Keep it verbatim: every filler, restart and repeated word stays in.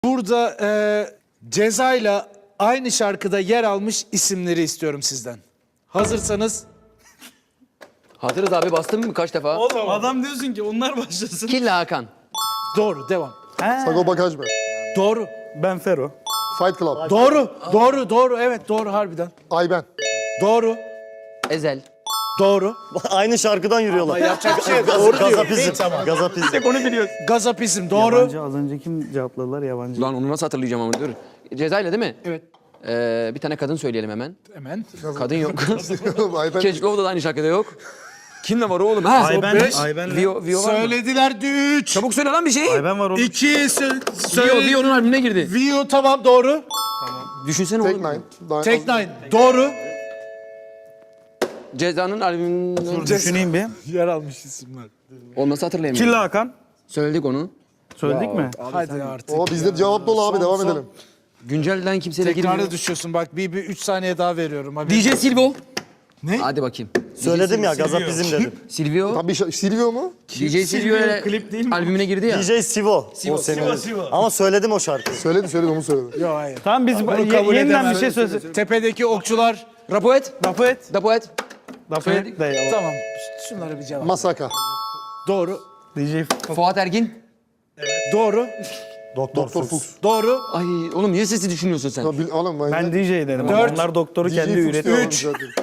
Burada e, Ceza'yla aynı şarkıda yer almış isimleri istiyorum sizden. Hazırsanız. Hazırız abi, bastın mı kaç defa? Oğlum adam diyorsun ki onlar başlasın. Killa Hakan. Doğru, devam. Sagopa Kajmer. Doğru. Ben Fero. Fight Club. Doğru. Doğru, doğru. Evet, doğru harbiden. Ayben. Doğru. Ezel. Doğru. Aynı şarkıdan yürüyorlar. Yapacak bir şey yok. Doğru diyor. Gazapizm. Gazapizm. Onu biliyorsun. Gazapizm doğru. Yabancı az önce kim cevapladılar yabancı? Lan onu nasıl hatırlayacağım ama dur. Cezayla değil mi? Evet. Ee, bir tane kadın söyleyelim hemen. Hemen. Kadın yok. Ayben. Keşkov'da da aynı şarkıda yok. Kimle var oğlum ha? Ayben, beş. Ayben, Vio, Vio var mı? Söylediler üç. Çabuk söyle lan bir şey. Ayben var oğlum. İki. Sö Vio, söyle. Vio'nun albümüne girdi. Vio tamam doğru. Düşünsene Tek oğlum. Nine. Daha- Tek Nine doğru. Ceza'nın albümünden... Dur düşüneyim bir. Yer almış isimler. O nasıl hatırlayamıyorum. Killa Hakan. Söyledik onu. Söyledik mi? Hadi artık. O bizde cevap dolu abi, Son, devam son. edelim. Güncelden kimseyle girmiyor. Tekrara düşüyorsun bak bir, bir üç saniye daha veriyorum. Abi. D J Silvo. Ne? Hadi bakayım. Söyledim ya, gazapizm dedim. Silvio. Tam bir şey, Silvio mu? D J Silvio ile klip değil mi? albümüne girdi ya. D J Sivo. O senin. Ama söyledim o şarkıyı. Söyledi söyledi onu söyledi. Yok hayır. Tamam biz Bunu ye- kabul yeniden edemem. bir şey söyle. Tepedeki okçular. Rapoet. Dapoet. Dapoet. Dapoet de ya. Tamam. Şunlara bir cevap. Masaka. Doğru. D J Fuat Ergin. Doğru. Doktor Doktor Fuchs. Fuchs. Doğru. Ay oğlum niye sesi düşünüyorsun sen? Ya bil- Oğlum ben, Ben D J dedim. Dört. Onlar doktoru D J kendi Fuchs üretiyor. diyorum zaten.